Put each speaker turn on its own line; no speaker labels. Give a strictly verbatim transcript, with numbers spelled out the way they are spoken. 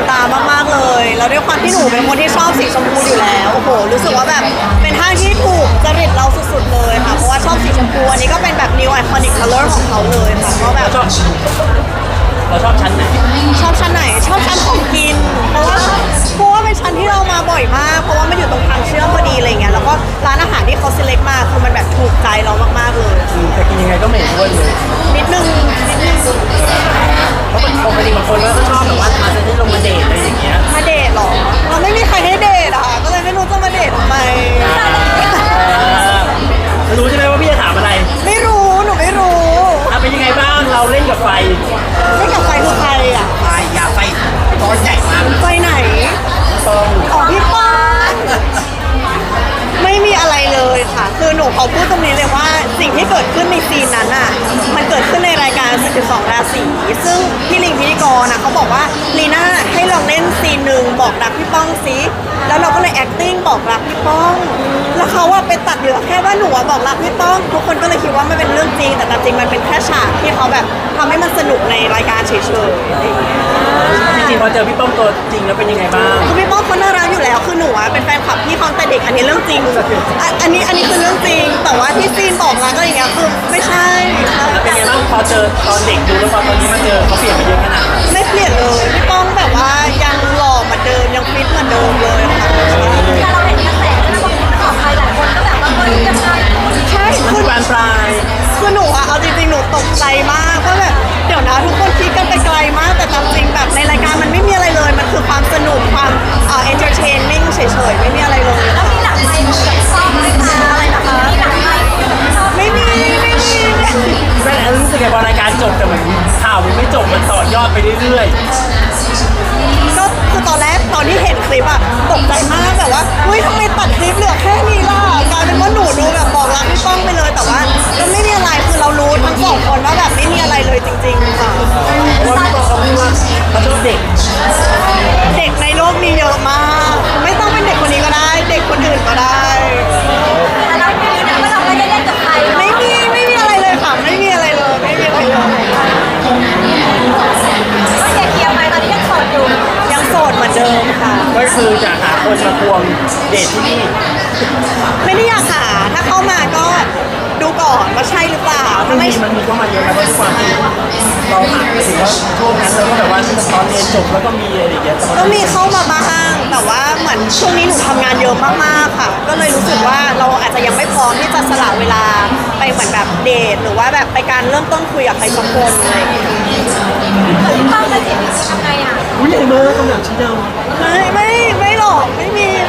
ตามากๆเลยแล้วด้วยความที่หนูเป็นคนที่ชอบสีชมพูอยู่แล้วโอ้โหรู้สึกว่าแบบเป็นห้างที่ถูกจริตเราสุดๆเลยค่ะเพราะว่าชอบสีชมพูอันนี้ก็เป็นแบบ new iconic color ของเขาเลยค่ะก็แบบ
ชอบเราชอบชั้นไหน
ชอบชั้นไหนชอบชั้นของกิน เพราะว่าเพราะว่าเป็นชั้นที่เรามาบ่อยมาก เพราะว่ามันอยู่ตรงทางเชื่อมพอดีอะไรเงี้ยแล้วก็ร้านอาหารที่เขา select มาคือมันแบบถูกใจเรามากๆเลย
อืมแต่กินยังไงก็ไม่เห็นอ้วนเลย
นิดนึงนิดนึง
เพราะปกติบางคนก็ชอบแบบว่ามาเซ็นที่ลงมาเดทอะไรอย่างเงี้ย
มาเดทเหรอเราไม่มีใครให้เดทอ่ะก็เลยไม่รู้จะมาเดททำไม
เออรู้ใช่ไหมว่าพี่จะถามอะไร
ไม่รู้หนูไม่รู้
อ่ะเป็นยังไงบ้างเราเล่นกับไฟ
ไม่กับไฟคือใครอ่ะ
ไฟอยากไฟก้อนใหญ่มาก
ไฟไหน
ต้อง
อ๋อพี่ป้องไม่มีอะไรเลยค่ะ คือหนูขอพูดตรงนี้เลยว่าสิ่งที่เกิดขึ้นในซีนนั้นอ่ะ มันเกิดขึ้นในรายการสิบสองราศีซึ่งพี่ลิงพิธีกรนะเขาบอกว่าลีน่าให้ลองเล่นซีนหนึ่งบอกรักพี่ป้องซิแล้วเราก็เลย acting บอกรักพี่ป้อง แล้วเขาว่าไปตัดเหลือแค่ว่าหนูอะบอกรักพี่ป้อง ทุกคนก็เลยคิดว่ามันเป็นเรื่องจริง แต่ตามจริงมันเป็นแค่ฉากที่เขาแบบทำให้มันสนุกในรายการเฉยๆอะไรอย่างเงี้ย
จริงๆพอเจอพี่ป้อมตัวจริงแล้วเป็นยังไงบ้าง
คือพี่ป้องเขาน่ารักอยู่แล้ว คือหนูอะเป็นแฟนคลับพี่เขาตั้งแต่เด็ก อันนี้เรื่องจริงอ่ะอันนี้อันนี้คือเรื่องจริง แต่ว่าที่ซีนบอกรักอะไรอย่างเงี้ยคือไม่ใช่
แล้วเป็นยังไงบ้างพอเจอตอนเด็กดูแล้วพอตอนนี้มาเจอเขาเปลี่ยนไปเยอะขนาดไหน
ไม่เปลี่ยนเลย พี่ป้องแบบว่ายังหล่อเหมือนเดิมยังฟิตเหมือนเดิมเลยค่ะ
แต่เราเห็นกระแสนะบางคนมันออกไปหลายคนก็แบบว่าเฮ้ยยังไง
ใช่
มัน
คื
คือ
อ
บานปลาย
คือหนูอะเอาจริงๆ หนูตกใจมากว่าแบบเดี๋ยวนะทุกคนคิดกันไปไกลมาก แต่ตามจริงแบบในรายการมันไม่มีอะไรเลย มันคือความสนุกความเอ่อ entertaining เฉยๆ ไม่มีอะไรเลย
แล้วมีหลังไมค์กับชอบไหมคะอะไรนะคะมีหลังไมค์กับชอบ
ไม่มีไม่มี
แม่แอนรู้สึกไงพอรายการจบแต่เหมือนข่าวมันไม่จบมันต่อยอดไปเรื่อย
ก็คือตอนแรกตอนที่เห็นคลิปอะตกใจมากแบบว่าเฮ้ยทำไมตัดคลิปเหลือแค่นี้ล่ะกลายเป็นว่าหนูดูแบบบอกรักพี่ป้องไปเลยแต่ว่าก็ไม่มีอะไรคือเรารู้ทั้งสองคนว่าแบบไม่มีอะไรเลยจริงๆค่ะ
ๆเพราะว่าพี่ป้อมเขาพูดว่าเขาชอบเด็ก
เด็กในโลกมีเยอะมาก ไม่ต้องเป็นเด็กคนนี้ก็ได้ เด็กคนอื่นก็ได้
แต่เราไม่รู้นะว่าเราไม่ได้เล่นกับใครเนาะ
ไม่มีไม่มีอะไรเลยค่ะไม่มีอะไรเลยไม่มีอะไรเลย
ก็เคลียร์ๆไปตอนนี้ยังโสดอยู่
ยังโสดเหมือนเดิมค่ะ
ก็คือจะหาคนมาควงเดทที่นี่
ไม่ได้อยากหาถ้าเข้ามาก็ดูก่อนว่าใช่หรือเปล่า
มั
ถ้าน
มี
ไม่
มันมีเข้ามาเยอะนะเพราะทุกความที่เราหาไปถึงว่าช่วงนั้นเราก็แบบว่าตอนเรียนจบแล้วก็มีอะไรอย่างเงี้ยแต่
ก็
ว่า
มีเข้ามาบ้างแต่ว่าเหมือนช่วงนี้หนูทำงานเยอะมากๆค่ะ ก็เลยรู้สึกว่าเราอาจจะยังไม่พร้อมที่จะสละเวลาไปเหมือนแบบเดทหรือว่าแบบไปการเริ่มต้นคุยกับใครสักคนอะไรอย่างเงี้ย
เกิดพี่ป้องมาจีบทำไงอ่ะ
อุ้ยใหญ่มากคำถามชิ้นเดิม
ไม่ไม่ไม่หรอกไม่มี